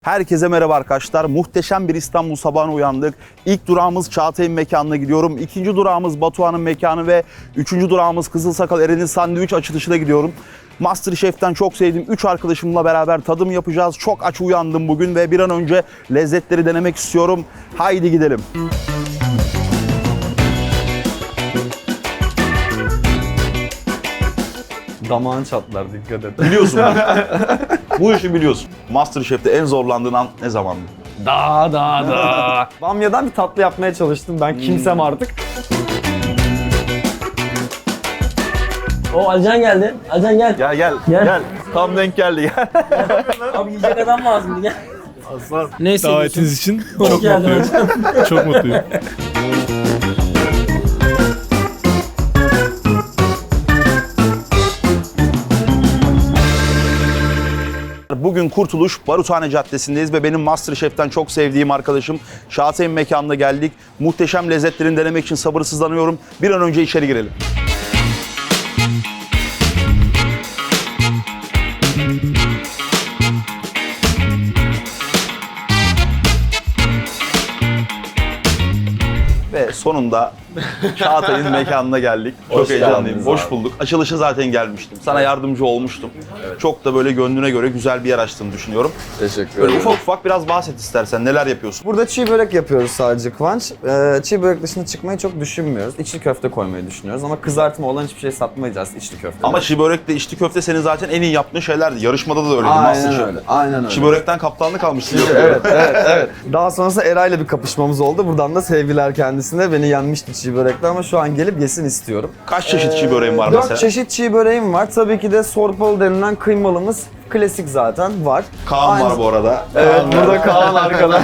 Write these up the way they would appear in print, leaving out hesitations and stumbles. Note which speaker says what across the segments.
Speaker 1: Herkese merhaba arkadaşlar. Muhteşem bir İstanbul sabahına uyandık. İlk durağımız Çağatay'ın mekanına gidiyorum. İkinci durağımız Batuhan'ın mekanı ve üçüncü durağımız Kızılsakal Eren'in sandviç açılışına gidiyorum. MasterChef'ten çok sevdiğim 3 arkadaşımla beraber tadım yapacağız. Çok aç uyandım bugün ve bir an önce lezzetleri denemek istiyorum. Haydi gidelim.
Speaker 2: Damağın çatlar, dikkat et.
Speaker 1: Biliyorsun. Bu işi biliyorsun. MasterChef'te en zorlandığın an ne zamandı?
Speaker 2: Da. Bamyadan bir tatlı yapmaya çalıştım ben, kimsem artık.
Speaker 3: O Alican geldi. Alican gel.
Speaker 1: Gel.
Speaker 3: Gel.
Speaker 1: Tam denk geldi gel.
Speaker 3: Abi yiyecek adam lazımdı gel.
Speaker 1: Aslan.
Speaker 3: Ne hissediyorsun?
Speaker 4: Davetiniz için
Speaker 3: Hoş
Speaker 4: çok
Speaker 3: geldin
Speaker 4: mutluyum.
Speaker 3: hocam.
Speaker 4: Çok mutluyum.
Speaker 1: Bugün Kurtuluş Baruthane Caddesi'ndeyiz ve benim MasterChef'ten çok sevdiğim arkadaşım Çağatay'ın mekanına geldik. Muhteşem lezzetlerini denemek için sabırsızlanıyorum. Bir an önce içeri girelim. Ve sonunda Çağatay'ın mekanına geldik. Çok heyecanlıyım. Hoş bulduk. Açılışa zaten gelmiştim. Sana yardımcı olmuştum. Çok da böyle gönlüne göre güzel bir yer açtığını düşünüyorum.
Speaker 2: Teşekkür
Speaker 1: Böyle
Speaker 2: ederim.
Speaker 1: ufak ufak biraz bahset istersen. Neler yapıyorsun?
Speaker 2: Burada çiğ börek yapıyoruz sadece Kıvanç. Çiğ börek dışında çıkmayı çok düşünmüyoruz. İçli köfte koymayı düşünüyoruz ama kızartma olan hiçbir şey satmayacağız içli köfte.
Speaker 1: Ama çiğ börekle içli köfte senin zaten en iyi yaptığın şeylerdi. Yarışmada da öyleydi.
Speaker 2: Aynen
Speaker 1: Masterchef'te.
Speaker 2: öyle. Aynen öyle.
Speaker 1: Çiğ börekten kaptanlık almışsın.
Speaker 2: Evet. Daha sonrasında Eray'la bir kapışmamız oldu. Buradan da sevgiler kendisine. Beni yenmişti çiğ börekte ama şu an gelip yesin istiyorum.
Speaker 1: Kaç çeşit çiğ böreğin var
Speaker 2: 4
Speaker 1: mesela?
Speaker 2: çeşit çiğ böreğim var. Tabii ki de sorpalı denilen kıymalımız klasik zaten var.
Speaker 1: Kaan var bu arada.
Speaker 2: Evet, burada Kaan arkada.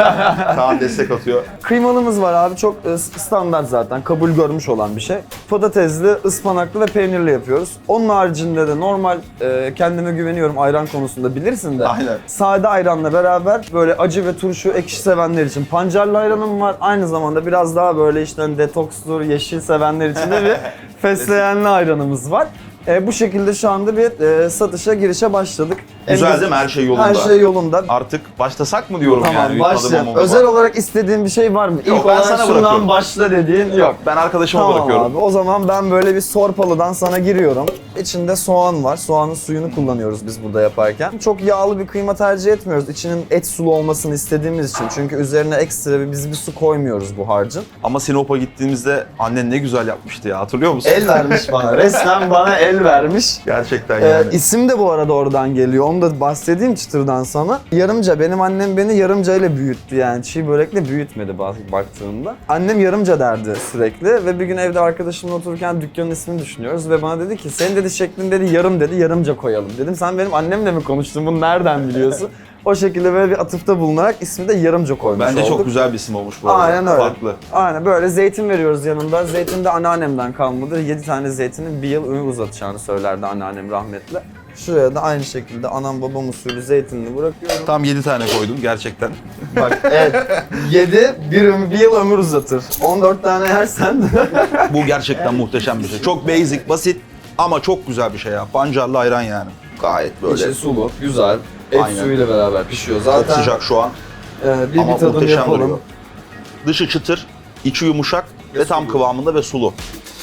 Speaker 1: Kaan destek atıyor.
Speaker 2: Kıymalımız var abi, çok standart zaten, kabul görmüş olan bir şey. Patatesli, ıspanaklı ve peynirli yapıyoruz. Onun haricinde de normal, kendime güveniyorum ayran konusunda, bilirsin de.
Speaker 1: Aynen.
Speaker 2: Sade ayranla beraber böyle acı ve turşu, ekşi sevenler için pancarlı ayranım var. Aynı zamanda biraz daha böyle işte detokstur, yeşil sevenler için de bir fesleğenli ayranımız var. Bu şekilde şu anda bir satışa, girişe başladık.
Speaker 1: Güzel değil mi? Her şey yolunda.
Speaker 2: Her şey yolunda.
Speaker 1: Artık başlasak mı diyorum
Speaker 2: Tamam,
Speaker 1: yani.
Speaker 2: başlayalım. Özel olarak istediğin bir şey var mı?
Speaker 1: Yok,
Speaker 2: İlk
Speaker 1: ben
Speaker 2: olarak
Speaker 1: sana
Speaker 2: şundan
Speaker 1: bırakıyorum.
Speaker 2: başla dediğin yok.
Speaker 1: Ben arkadaşıma
Speaker 2: Tamam
Speaker 1: bırakıyorum.
Speaker 2: abi, o zaman ben böyle bir sorpalıdan sana giriyorum. İçinde soğan var. Soğanın suyunu kullanıyoruz biz burada yaparken. Çok yağlı bir kıyma tercih etmiyoruz. İçinin et sulu olmasını istediğimiz için. Çünkü üzerine ekstra biz bir su koymuyoruz bu harcın.
Speaker 1: Ama Sinop'a gittiğimizde annen ne güzel yapmıştı ya. Hatırlıyor musun?
Speaker 2: El vermiş bana. Resmen bana el vermiş.
Speaker 1: Gerçekten yani.
Speaker 2: İsim de bu arada oradan geliyor. Onu da bahsedeyim çıtırdan sana. Yarımca. Benim annem beni yarımca ile büyüttü yani. Çiğ börekle büyütmedi baktığımda. Annem yarımca derdi sürekli ve bir gün evde arkadaşımla otururken dükkanın ismini düşünüyoruz ve bana dedi ki senin dedi şeklin dedi yarım dedi, yarımca koyalım. Dedim sen benim annemle mi konuştun, bunu nereden biliyorsun? O şekilde böyle bir atıfta bulunarak ismi de yarımca koymuş
Speaker 1: Bence
Speaker 2: olduk.
Speaker 1: çok güzel bir isim olmuş bu arada.
Speaker 2: Aynen öyle.
Speaker 1: Farklı.
Speaker 2: Aynen böyle zeytin veriyoruz yanında. Zeytin de anneannemden kalmadır. 7 tane zeytinin bir yıl ömür uzatacağını söylerdi anneannem rahmetli. Şuraya da aynı şekilde anam babam usulü zeytinini bırakıyorum.
Speaker 1: Tam 7 tane koydum gerçekten.
Speaker 2: Bak evet, 7 bir yıl ömür uzatır. 14 tane yersen
Speaker 1: Bu gerçekten muhteşem bir şey. Çok basic, basit ama çok güzel bir şey ya. Pancarlı ayran yani. Gayet böyle.
Speaker 2: İçi sulu, güzel. Et
Speaker 1: Aynen.
Speaker 2: suyuyla beraber pişiyor.
Speaker 1: Çok
Speaker 2: Zaten
Speaker 1: sıcak şu an. Ama
Speaker 2: bir tadım
Speaker 1: muhteşem
Speaker 2: yapalım.
Speaker 1: duruyor. Dışı çıtır, içi yumuşak ve tam kıvamında ve sulu.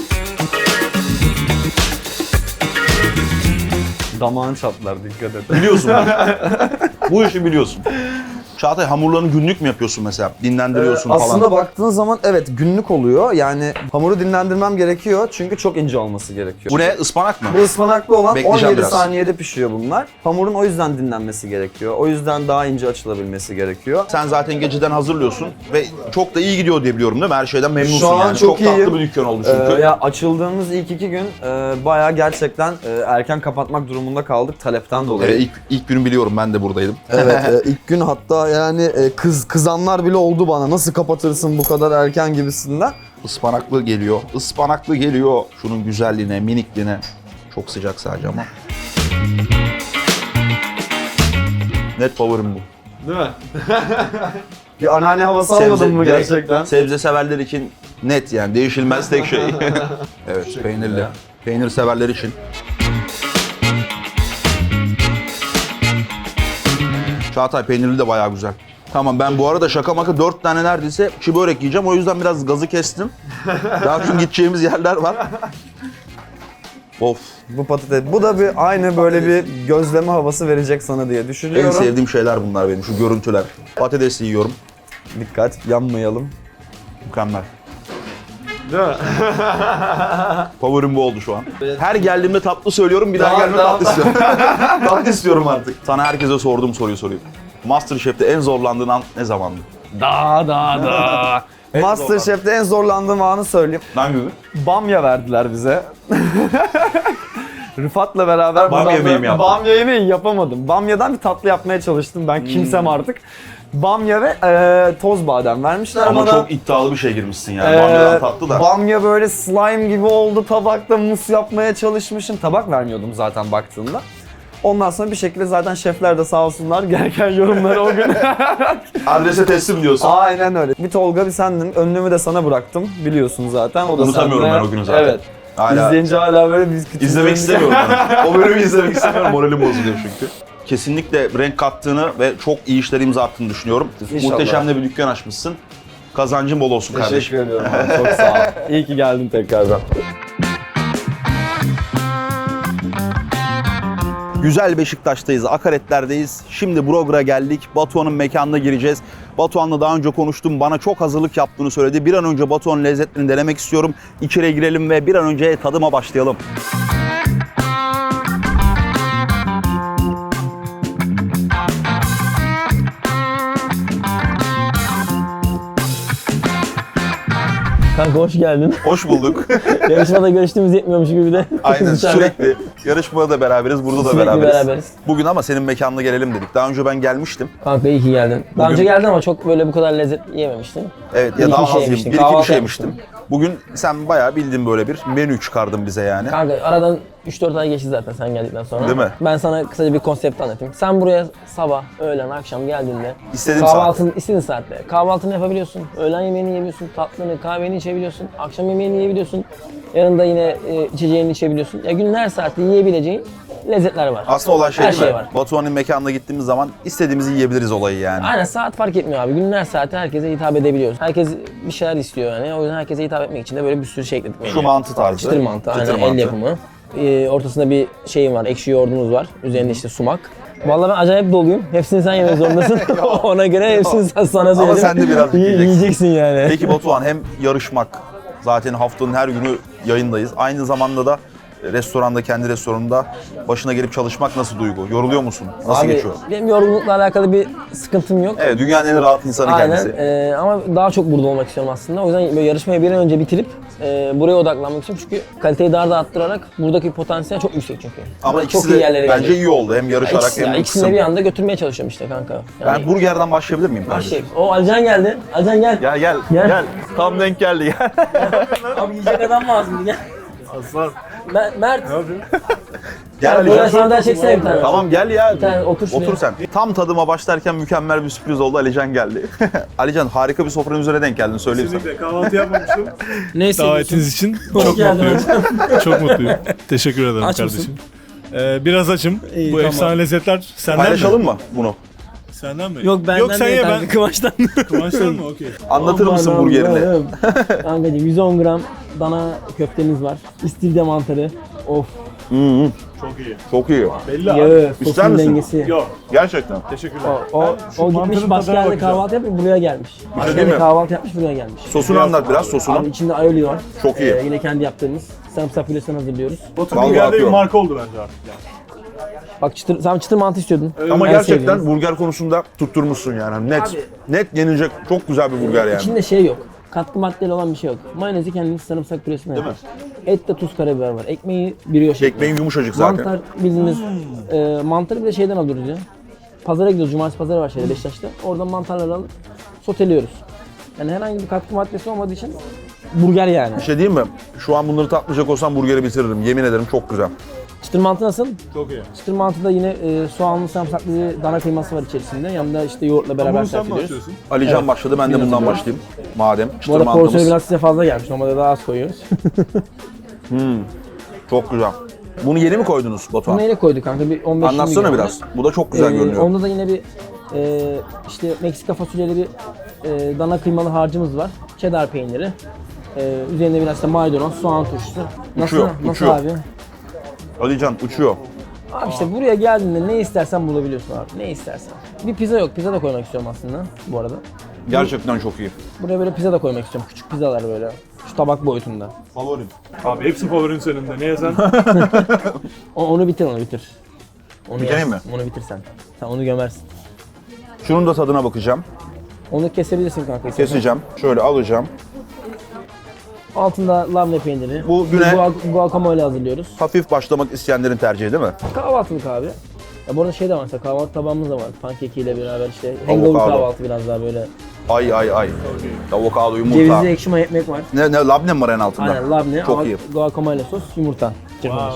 Speaker 2: Damağın çatlar, dikkat et.
Speaker 1: Biliyorsun bu işi biliyorsun. Çağatay, hamurlarını günlük mü yapıyorsun mesela? Dinlendiriyorsun falan.
Speaker 2: Aslında baktığın zaman evet günlük oluyor. Yani hamuru dinlendirmem gerekiyor çünkü çok ince olması gerekiyor.
Speaker 1: Bu ne? Ispanak mı?
Speaker 2: Bu ıspanaklı olan
Speaker 1: Bekleyeceğim
Speaker 2: 17
Speaker 1: biraz.
Speaker 2: saniyede pişiyor bunlar. Hamurun o yüzden dinlenmesi gerekiyor. O yüzden daha ince açılabilmesi gerekiyor.
Speaker 1: Sen zaten geceden hazırlıyorsun ve çok da iyi gidiyor diye biliyorum değil mi? Her şeyden memnunsun
Speaker 2: Şu an
Speaker 1: yani.
Speaker 2: çok
Speaker 1: tatlı
Speaker 2: iyiyim.
Speaker 1: bir dükkan oldu çünkü.
Speaker 2: Ya açıldığımız ilk 2 gün bayağı gerçekten erken kapatmak durumunda kaldık talepten dolayı.
Speaker 1: İlk günü biliyorum, ben de buradaydım.
Speaker 2: Evet, ilk gün hatta yani kızanlar bile oldu bana. Nasıl kapatırsın bu kadar erken gibisinden.
Speaker 1: Ispanaklı geliyor. Ispanaklı geliyor. Şunun güzelliğine, minikliğine. Çok sıcak sadece ama. Net favorim bu.
Speaker 2: Değil mi? Bir anneanne havası almadın mı
Speaker 1: direkt
Speaker 2: gerçekten?
Speaker 1: Sebze severler için net yani değişilmez tek şey. Evet, peynirli. Peynir severler için. Çağatay peynirli de bayağı güzel. Tamam ben bu arada şaka maka 4 tane neredeyse çiğ börek yiyeceğim. O yüzden biraz gazı kestim. Daha çünkü gideceğimiz yerler var. Of.
Speaker 2: Bu patates. Bu da bir aynı böyle bir gözleme havası verecek sana diye
Speaker 1: En
Speaker 2: düşünüyorum.
Speaker 1: sevdiğim şeyler bunlar benim, şu görüntüler. Patatesi yiyorum.
Speaker 2: Dikkat, yanmayalım.
Speaker 1: Mükemmel.
Speaker 4: Değil mi?
Speaker 1: Favorim bu oldu şu an. Her geldiğimde tatlı söylüyorum, bir daha gelme tatlı istiyorum. Tatlı istiyorum artık. Sana herkese sorduğum soruyu sorayım. MasterChef'te en zorlandığın an ne zamandı?
Speaker 3: Da.
Speaker 2: Masterchef'te en zorlandığım anı söyleyeyim.
Speaker 1: Hangi gün?
Speaker 2: Bamya verdiler bize. Rıfat'la beraber
Speaker 1: Bamya
Speaker 2: bundan
Speaker 1: yemeği
Speaker 2: sonra
Speaker 1: mi yaptın?
Speaker 2: Bamya yemeği yapamadım. Bamyadan bir tatlı yapmaya çalıştım ben kimsem artık. Bamya ve toz badem vermişler
Speaker 1: Ama
Speaker 2: bana.
Speaker 1: çok iddialı bir şey girmişsin yani. Bamyadan tatlı da.
Speaker 2: Bamya böyle slime gibi oldu tabakta, mus yapmaya çalışmışım. Tabak vermiyordum zaten baktığımda. Ondan sonra bir şekilde zaten şefler de sağ olsunlar gereken yorumları o gün.
Speaker 1: Adrese teslim diyorsun.
Speaker 2: Aynen öyle. Bir Tolga bir sendin. Önlüğümü de sana bıraktım biliyorsun zaten. O da
Speaker 1: Unutamıyorum
Speaker 2: sende.
Speaker 1: ben o günü zaten.
Speaker 2: Evet.
Speaker 1: Hala
Speaker 2: İzleyince hala böyle biz küçük.
Speaker 1: izlemek istemiyorum ben. O bölümü izlemek istemiyorum. Moralim bozuluyor çünkü. Kesinlikle renk kattığını ve çok iyi işler imza attığını düşünüyorum.
Speaker 2: İnşallah.
Speaker 1: Muhteşem de bir dükkan açmışsın. Kazancın bol olsun kardeşim.
Speaker 2: Teşekkür ediyorum abi. Çok sağ ol. İyi ki geldin tekrardan.
Speaker 1: Güzel Beşiktaş'tayız, Akaretler'deyiz. Şimdi Brogger'a geldik. Batuhan'ın mekanına gireceğiz. Batuhan'la daha önce konuştum. Bana çok hazırlık yaptığını söyledi. Bir an önce Batuhan'ın lezzetlerini denemek istiyorum. İçeriye girelim ve bir an önce tadıma başlayalım.
Speaker 3: Kanka hoş geldin.
Speaker 1: Hoş bulduk.
Speaker 3: Yarışmada görüştüğümüz yetmiyormuş gibi de.
Speaker 1: Aynen
Speaker 3: dışarıda
Speaker 1: sürekli. Yarışmada da beraberiz, burada da
Speaker 3: Sürekli
Speaker 1: beraberiz.
Speaker 3: beraberiz.
Speaker 1: Bugün ama senin mekanına gelelim dedik. Daha önce ben gelmiştim.
Speaker 3: Kanka iyi ki geldin. Daha
Speaker 1: Bugün-
Speaker 3: önce geldin ama çok böyle bu kadar lezzet yememiştin.
Speaker 1: Evet
Speaker 3: Bir
Speaker 1: ya
Speaker 3: iki
Speaker 1: daha
Speaker 3: şey
Speaker 1: az
Speaker 3: yemiştin,
Speaker 1: yemiştim. Bir iki bir
Speaker 3: kahvaltı
Speaker 1: şey
Speaker 3: yapmıştın.
Speaker 1: yemiştim. Bugün sen bayağı bildiğin böyle bir menü çıkardın bize yani.
Speaker 3: Kanka aradan 3-4 ay geçti zaten sen geldikten sonra.
Speaker 1: Değil mi?
Speaker 3: Ben sana kısaca bir konsept anlatayım. Sen buraya sabah, öğlen, akşam geldiğinde
Speaker 1: İstediğim
Speaker 3: kahvaltını istediğin saatte kahvaltını yapabiliyorsun. Öğlen yemeğini yiyebiliyorsun, tatlını, kahveni içebiliyorsun. Akşam yemeğini yiyebiliyorsun. Yanında yine içeceğini içebiliyorsun. Ya günün her saatte yiyebileceğin lezzetler var.
Speaker 1: Aslında olan şey
Speaker 3: Her
Speaker 1: değil mi?
Speaker 3: şey var.
Speaker 1: Batuhan'ın mekanına gittiğimiz zaman istediğimizi yiyebiliriz olayı yani.
Speaker 3: Aynen saat fark etmiyor abi. Günün her saati herkese hitap edebiliyoruz. Herkes bir şeyler istiyor yani. O yüzden herkese hitap etmek için de böyle bir sürü şey ekledik.
Speaker 1: Şu
Speaker 3: menüye.
Speaker 1: mantı tarzı.
Speaker 3: Çıtır mantı, aynen
Speaker 1: Çıtır
Speaker 3: el
Speaker 1: mantı.
Speaker 3: yapımı. Ortasında bir şeyim var, ekşi yoğurdumuz var. Üzerinde işte sumak. Vallahi ben acayip doluyum. Hepsini sen yemek zorundasın. Ona göre hepsini sana söyledim.
Speaker 1: sen de birazcık yiyeceksin.
Speaker 3: Yiyeceksin yani.
Speaker 1: Peki Batuhan, hem yarışmak, zaten haftanın her günü yayındayız. Aynı zamanda da restoranda, kendi restoranında başına gelip çalışmak nasıl duygu? Yoruluyor musun? Nasıl
Speaker 3: Abi,
Speaker 1: geçiyor?
Speaker 3: benim yorgunlukla alakalı bir sıkıntım yok.
Speaker 1: Evet, dünyanın en rahat insanı
Speaker 3: Aynen.
Speaker 1: kendisi.
Speaker 3: Ama daha çok burada olmak istiyorum aslında. O yüzden böyle yarışmayı bir an önce bitirip buraya odaklanmak istiyorum. Çünkü kaliteyi daha da arttırarak buradaki potansiyel çok yüksek çünkü.
Speaker 1: Ama
Speaker 3: Burada
Speaker 1: ikisi
Speaker 3: çok iyi
Speaker 1: de
Speaker 3: yerlere
Speaker 1: bence
Speaker 3: gelecek.
Speaker 1: iyi oldu. Hem yarışarak
Speaker 3: İkisini,
Speaker 1: hem
Speaker 3: ikisini
Speaker 1: kısım.
Speaker 3: bir anda götürmeye çalışıyorum işte kanka.
Speaker 1: Ben burgerden başlayabilir miyim kardeşim?
Speaker 3: Başlayayım. O Alican geldi. Alican gel.
Speaker 1: Gel gel
Speaker 3: Gel.
Speaker 1: gel. Tam denk geldi gel.
Speaker 3: Abi yiyecek adam lazım gel.
Speaker 4: Aslan.
Speaker 3: Mert.
Speaker 1: Gel Ali.
Speaker 3: Böyle sandalye çeksene bir tane.
Speaker 1: Tamam gel ya.
Speaker 3: Bir tane otur şuraya.
Speaker 1: Otur sen. Tam tadıma başlarken mükemmel bir sürpriz oldu. Alican geldi. Alican, harika bir sofranın üzerine denk geldin, söyleyeyim sana.
Speaker 4: Kesinlikle kahvaltı yapmamıştım.
Speaker 3: Ne hissediyorsun?
Speaker 4: Davetiniz için
Speaker 3: Hoş
Speaker 4: çok
Speaker 3: geldin
Speaker 4: mutluyum.
Speaker 3: hocam.
Speaker 4: Çok mutluyum. Teşekkür ederim
Speaker 3: Aç
Speaker 4: kardeşim. Biraz açım.
Speaker 3: İyi,
Speaker 4: Bu
Speaker 3: tamam.
Speaker 4: efsane lezzetler senden
Speaker 1: Paylaşalım
Speaker 4: mi?
Speaker 1: mı bunu?
Speaker 4: Senden mi?
Speaker 3: Yok benden
Speaker 4: Yok sen
Speaker 3: değil
Speaker 4: ye
Speaker 3: kanka,
Speaker 4: ben.
Speaker 3: Kıvanç'tan.
Speaker 4: Kıvanç'tan mı? Okey.
Speaker 1: Anlatır mısın
Speaker 3: Aman
Speaker 1: burgerini?
Speaker 3: Allah'ım. Kankacığım 110 gram dana köftemiz var. İstilde mantarı. Of.
Speaker 4: Çok iyi.
Speaker 1: Çok iyi.
Speaker 4: Belli abi.
Speaker 3: Yağı,
Speaker 1: İster
Speaker 3: sosun
Speaker 1: misin?
Speaker 3: dengesi.
Speaker 4: Yok.
Speaker 1: Gerçekten.
Speaker 4: Teşekkürler.
Speaker 3: O
Speaker 4: Şu
Speaker 3: gitmiş
Speaker 4: mantarın
Speaker 3: başka
Speaker 4: tadına
Speaker 3: yerde
Speaker 4: bakacağım.
Speaker 3: kahvaltı yapıp buraya gelmiş. Başka
Speaker 1: değil
Speaker 3: yerde
Speaker 1: mi?
Speaker 3: kahvaltı yapmış buraya gelmiş.
Speaker 1: Sosunu anlat biraz, sosunu.
Speaker 3: Abi içinde aioli var.
Speaker 1: Çok iyi.
Speaker 3: Yine kendi yaptığımız sarımsak püresinden hazırlıyoruz.
Speaker 4: Batu
Speaker 1: Vallahi
Speaker 4: Burger'de bir
Speaker 1: atıyorum.
Speaker 4: marka oldu bence artık yani.
Speaker 3: Bak sen çıtır mantı istiyordun.
Speaker 1: Ama
Speaker 3: En
Speaker 1: gerçekten
Speaker 3: sevdiğimiz.
Speaker 1: burger konusunda tutturmuşsun yani. Net.
Speaker 3: Abi-
Speaker 1: Net yenilecek çok güzel bir burger yani.
Speaker 3: İçinde şey yok. Katkı maddeli olan bir şey yok. Mayonezi kendiniz sarımsak püresine
Speaker 1: Değil mi?
Speaker 3: yapar. Ette tuz, karabiber var. Ekmeği brioche şeklinde.
Speaker 1: Ekmeğin yumuşacık zaten.
Speaker 3: Mantar bildiğiniz mantarı bir de şeyden alıyoruz ya. Pazara gidiyoruz. Cumartesi pazarı var şeyde Beşiktaş'ta. Oradan mantarları alıp soteliyoruz. Yani herhangi bir katkı maddesi olmadığı için burger yani.
Speaker 1: Bir şey diyeyim mi? Şu an bunları tatmayacak olsam burgeri bitiririm. Yemin ederim çok güzel.
Speaker 3: Çıtır mantı nasıl?
Speaker 4: Çok iyi.
Speaker 3: Çıtır mantıda yine soğanlı sarımsaklı bir dana kıyması var içerisinde. Yanında işte yoğurtla beraber
Speaker 4: Bunu sen
Speaker 3: servis
Speaker 4: mi
Speaker 3: ediyoruz.
Speaker 4: açıyorsun?
Speaker 1: Alican
Speaker 3: Evet.
Speaker 1: başladı, ben de bundan başlayayım. Madem
Speaker 3: Bu
Speaker 1: çıtır
Speaker 3: arada porsiyonu
Speaker 1: mantımız.
Speaker 3: biraz size fazla gelmiş. Normalde daha az koyuyoruz.
Speaker 1: Çok güzel. Bunu yeni mi koydunuz Batuhan?
Speaker 3: Bunu neyle koyduk kanka? Bir 15-20
Speaker 1: Anlatsana
Speaker 3: gram.
Speaker 1: biraz. Bu da çok güzel görünüyor.
Speaker 3: Onda da yine bir İşte Meksika fasulyeli bir dana kıymalı harcımız var. Cheddar peyniri. Üzerinde biraz da maydanoz, soğan turşusu. Nasıl?
Speaker 1: Uçuyor,
Speaker 3: Nasıl
Speaker 1: uçuyor.
Speaker 3: abi?
Speaker 1: Alican uçuyor.
Speaker 3: Abi işte buraya geldiğinde ne istersen bulabiliyorsun abi. Ne istersen. Bir pizza yok. Pizza da koymak istiyorum aslında bu arada.
Speaker 1: Gerçekten çok iyi.
Speaker 3: Buraya böyle pizza da koymak istiyorum. Küçük pizzalar böyle. Şu tabak boyutunda.
Speaker 1: Favorim.
Speaker 4: Abi hepsi favorin senin de. Ne yesen?
Speaker 3: Onu bitir, onu bitir. Onu
Speaker 1: Bitireyim
Speaker 3: yersin, Onu bitir sen. Sen onu gömersin.
Speaker 1: Şunun da tadına bakacağım.
Speaker 3: Onu kesebilirsin kanka. istersen.
Speaker 1: Keseceğim. Şöyle alacağım.
Speaker 3: Altında labne peyniri.
Speaker 1: Bu güne-
Speaker 3: Guacamole hazırlıyoruz.
Speaker 1: Hafif başlamak isteyenlerin tercihi değil mi?
Speaker 3: Kahvaltılık abi. Ya bu arada şey de var mesela kahvaltı tabağımız da var. Pankekiyle beraber işte hangover
Speaker 1: Avokado.
Speaker 3: kahvaltı biraz daha böyle.
Speaker 1: Ay. Avokado, yumurta.
Speaker 3: Cevizli ekşi maya ekmek var.
Speaker 1: Ne labne mi var en altında?
Speaker 3: Aynen labne,
Speaker 1: Çok iyi.
Speaker 3: guacamole sos, yumurta. Çırpılmış.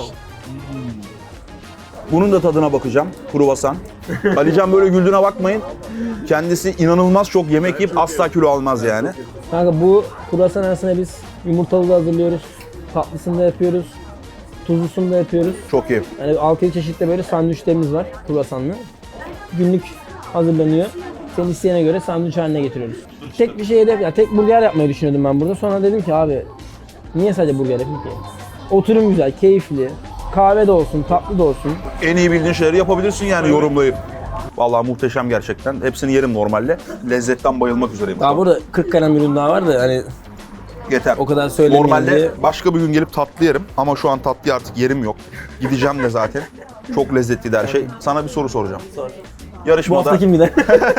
Speaker 1: Bunun da tadına bakacağım. Kruvasan. Alican böyle güldüğüne bakmayın. Kendisi inanılmaz çok yemek yiyip asla kilo almaz yani.
Speaker 3: Kanka bu kruvasan arasında biz yumurtalı da hazırlıyoruz. Tatlısını da yapıyoruz. Tuzlusunu da yapıyoruz.
Speaker 1: Çok iyi.
Speaker 3: Yani 6-7 çeşitli böyle sandviçlerimiz var kruvasanlı. Günlük hazırlanıyor. Senin isteğine göre sandviç haline getiriyoruz. Tek bir şey hedef, ya tek burger yapmayı düşünüyordum ben burada. Sonra dedim ki abi niye sadece burger yapayım ki? Oturum güzel, keyifli. Kahve de olsun, tatlı da olsun.
Speaker 1: En iyi bildiğin şeyleri yapabilirsin yani yorumlayıp. Vallahi muhteşem gerçekten. Hepsini yerim normalde. Lezzetten bayılmak üzereyim.
Speaker 3: Daha burada 40 kalem ürün daha var da hani
Speaker 1: Yeter.
Speaker 3: o kadar söylemeyeyim
Speaker 1: Normalde
Speaker 3: diye.
Speaker 1: başka bir gün gelip tatlı yerim ama şu an tatlıya artık yerim yok. Gideceğim de zaten. Çok lezzetliydi her şey. Sana bir soru soracağım.
Speaker 3: Sor. Bu
Speaker 1: Yarışmada
Speaker 3: hafta kim gider?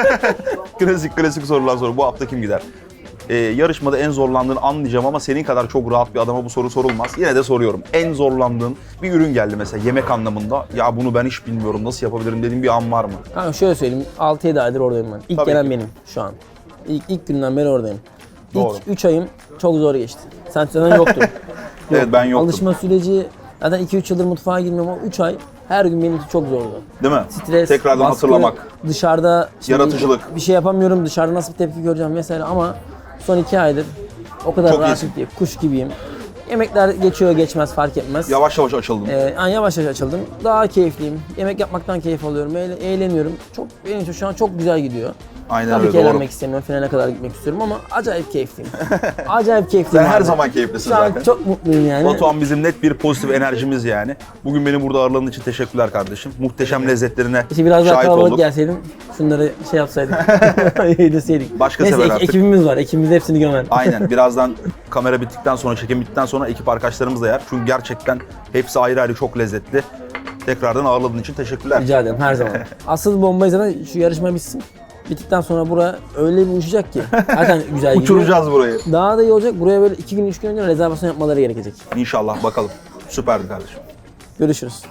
Speaker 1: klasik sorular soru. Bu hafta kim gider? Yarışmada en zorlandığını anlayacağım ama senin kadar çok rahat bir adama bu soru sorulmaz. Yine de soruyorum. En zorlandığın bir ürün geldi mesela yemek anlamında. Ya bunu ben hiç bilmiyorum nasıl yapabilirim dediğin bir an var mı?
Speaker 3: Kanka şöyle söyleyeyim, 6-7 aydır oradayım ben. İlk
Speaker 1: Tabii
Speaker 3: gelen
Speaker 1: ki.
Speaker 3: benim şu an. İlk günden beri oradayım.
Speaker 1: Doğru.
Speaker 3: İlk 3 ayım çok zor geçti. Sen zaten yoktun.
Speaker 1: Evet ben yoktum.
Speaker 3: Alışma süreci, zaten 2-3 yıldır mutfağa girmiyorum ama 3 ay her gün benim için çok zordu.
Speaker 1: Değil mi?
Speaker 3: Stres,
Speaker 1: Tekrardan
Speaker 3: baskı,
Speaker 1: hatırlamak.
Speaker 3: dışarıda şimdi
Speaker 1: Yaratıcılık.
Speaker 3: bir şey yapamıyorum, dışarıda nasıl bir tepki göreceğim vesaire ama son 2 aydır o kadar
Speaker 1: Çok
Speaker 3: rahat
Speaker 1: iyisin.
Speaker 3: ki kuş gibiyim. Yemekler geçiyor geçmez fark etmez.
Speaker 1: Yavaş yavaş açıldım.
Speaker 3: Yani yavaş yavaş açıldım. Daha keyifliyim. Yemek yapmaktan keyif alıyorum. Eğleniyorum. Çok benim için şu an çok güzel gidiyor.
Speaker 1: Aynen
Speaker 3: Tabii
Speaker 1: öyle
Speaker 3: ki
Speaker 1: doğru.
Speaker 3: eğlenmek istemiyorum. Finale kadar gitmek istiyorum ama acayip keyifliyim. Acayip
Speaker 1: Sen
Speaker 3: keyifliyim.
Speaker 1: her
Speaker 3: abi.
Speaker 1: zaman keyiflisin
Speaker 3: Şu an
Speaker 1: zaten.
Speaker 3: çok mutluyum yani.
Speaker 1: Batuhan bizim net bir pozitif enerjimiz yani. Bugün beni burada ağırladığın için teşekkürler kardeşim. Muhteşem lezzetlerine
Speaker 3: İşte biraz daha
Speaker 1: şahit
Speaker 3: kalabalık
Speaker 1: olduk.
Speaker 3: gelseydim, şunları şey yapsaydık, yedirseydik.
Speaker 1: Başka
Speaker 3: Neyse
Speaker 1: sefer artık.
Speaker 3: ekibimiz var, ekibimiz hepsini gömer.
Speaker 1: Aynen. Birazdan kamera bittikten sonra, çekim bittikten sonra ekip arkadaşlarımız da yer. Çünkü gerçekten hepsi ayrı ayrı çok lezzetli. Tekrardan ağırladığın için teşekkürler.
Speaker 3: Rica ederim her zaman. Asıl bombayı zaten şu yarışma bitsin. Bittikten sonra bura öyle bir uçacak ki. Zaten güzel gidiyor.
Speaker 1: Uçuracağız burayı.
Speaker 3: Daha da iyi olacak. Buraya böyle 2 gün 3 gün önce rezervasyon yapmaları gerekecek.
Speaker 1: İnşallah bakalım. Süperdi kardeşim.
Speaker 3: Görüşürüz.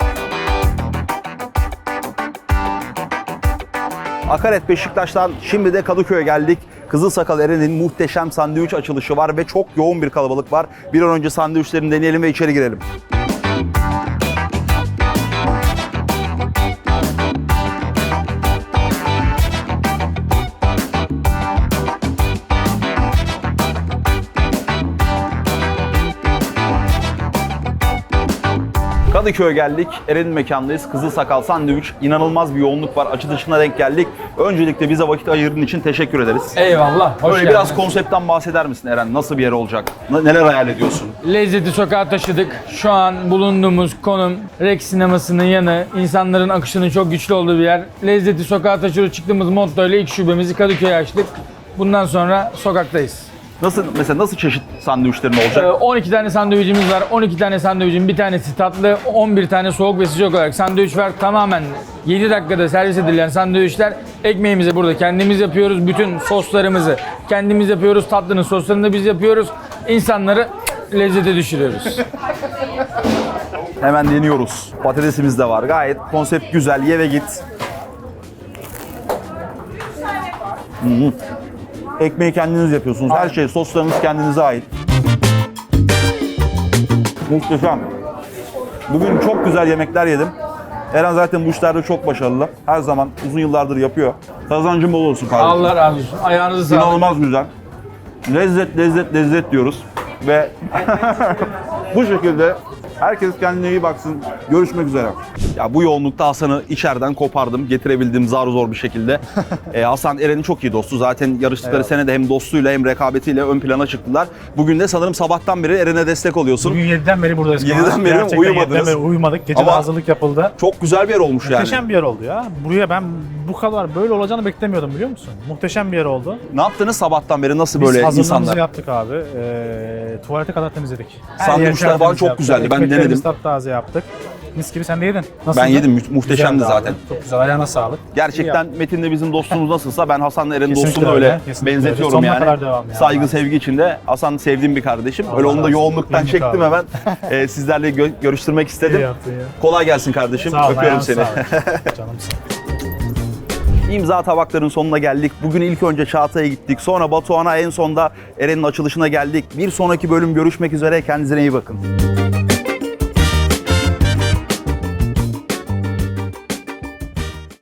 Speaker 1: Akaret Beşiktaş'tan şimdi de Kadıköy'e geldik. Kızılsakal Eren'in muhteşem sandviç açılışı var ve çok yoğun bir kalabalık var. Bir an önce sandviçlerini deneyelim ve içeri girelim. Kadıköy'e geldik. Eren'in mekandayız. Kızılsakal Sandviç. İnanılmaz bir yoğunluk var. Açılışına denk geldik. Öncelikle bize vakit ayırdığın için teşekkür ederiz.
Speaker 5: Eyvallah, hoş
Speaker 1: Böyle
Speaker 5: geldin.
Speaker 1: biraz konseptten bahseder misin Eren? Nasıl bir yer olacak? Neler hayal ediyorsun?
Speaker 5: Lezzeti sokağa taşıdık. Şu an bulunduğumuz konum Rex sinemasının yanı. İnsanların akışının çok güçlü olduğu bir yer. Lezzeti sokağa taşıyoruz çıktığımız motto ile ilk şubemizi Kadıköy'e açtık. Bundan sonra sokaktayız.
Speaker 1: Nasıl çeşit sandviçlerin olacak?
Speaker 5: 12 tane sandviçimiz var. 12 tane sandviçin bir tanesi tatlı, 11 tane soğuk ve sıcak olarak sandviç var. Tamamen 7 dakikada servis edilen sandviçler. Ekmeğimizi burada kendimiz yapıyoruz. Bütün soslarımızı kendimiz yapıyoruz. Tatlının soslarını da biz yapıyoruz. İnsanları lezzete düşürüyoruz.
Speaker 1: Hemen deniyoruz. Patatesimiz de var. Gayet konsept güzel. Ye ve git. Ekmeği kendiniz yapıyorsunuz. Her şey, soslarınız kendinize ait. Muhteşem. Bugün çok güzel yemekler yedim. Eren zaten bu işlerde çok başarılı. Her zaman uzun yıllardır yapıyor. Kazancın bol olsun kardeşim.
Speaker 5: Allah razı olsun. Ayağınızı sağlık.
Speaker 1: İnanılmaz güzel. Lezzet diyoruz. Ve bu şekilde herkes kendine iyi baksın. Görüşmek üzere. Ya bu yoğunlukta Hasan'ı içeriden kopardım. Getirebildim zar zor bir şekilde. Hasan Eren'in çok iyi dostu. Zaten yarıştıkları sene de hem dostluğuyla hem rekabetiyle ön plana çıktılar. Bugün de sanırım sabahtan beri Eren'e destek oluyorsun.
Speaker 4: Bugün 7'den beri buradayız.
Speaker 1: 7'den beri
Speaker 4: Gerçekten
Speaker 1: uyumadınız.
Speaker 4: 7'den beri uyumadık. Gece de
Speaker 1: Ama
Speaker 4: hazırlık yapıldı.
Speaker 1: Çok güzel bir yer olmuş yani.
Speaker 4: Muhteşem bir yer oldu ya. Buraya ben bu kadar böyle olacağını beklemiyordum biliyor musun? Muhteşem bir yer oldu.
Speaker 1: Ne yaptınız sabahtan beri? Nasıl
Speaker 4: Biz
Speaker 1: böyle
Speaker 4: hazırlığımızı
Speaker 1: insanlar?
Speaker 4: yaptık abi. Tuvalete kadar temizledik. Her
Speaker 1: Sandviçler
Speaker 4: yer
Speaker 1: falan
Speaker 4: tertemiz
Speaker 1: çok
Speaker 4: yaptık.
Speaker 1: güzeldi. Ben
Speaker 4: Ekmeklerimizi
Speaker 1: denedim.
Speaker 4: taptaze yaptık. Mis gibi sen de yedin. Nasıldı?
Speaker 1: Ben yedim. Muhteşemdi
Speaker 4: Güzeldi abi.
Speaker 1: zaten.
Speaker 4: Çok güzel. Ayağına sağlık.
Speaker 1: Gerçekten Metin'le bizim dostluğumuz nasılsa ben Hasan'la Eren'in
Speaker 4: Kesinlikle
Speaker 1: dostluğunu
Speaker 4: öyle,
Speaker 1: öyle
Speaker 4: kesinlikle öyle.
Speaker 1: benzetiyorum
Speaker 4: Sonuna
Speaker 1: yani.
Speaker 4: kadar devam ya.
Speaker 1: Saygı, sevgi içinde. Hasan sevdiğim bir kardeşim. Öyle onu da
Speaker 4: razı olsun.
Speaker 1: yoğunluktan
Speaker 4: Memnun
Speaker 1: çektim
Speaker 4: kaldım.
Speaker 1: hemen. Sizlerle görüştürmek istedim.
Speaker 4: İyi yaptın ya.
Speaker 1: Kolay gelsin kardeşim.
Speaker 4: Sağ ol.
Speaker 1: Öpüyorum
Speaker 4: ayağına
Speaker 1: seni.
Speaker 4: sağlık. Canımsın.
Speaker 1: İmza tabakların sonuna geldik. Bugün ilk önce Çağatay'a gittik. Sonra Batuhan'a, en sonda Eren'in açılışına geldik. Bir sonraki bölüm görüşmek üzere. Kendinize iyi bakın.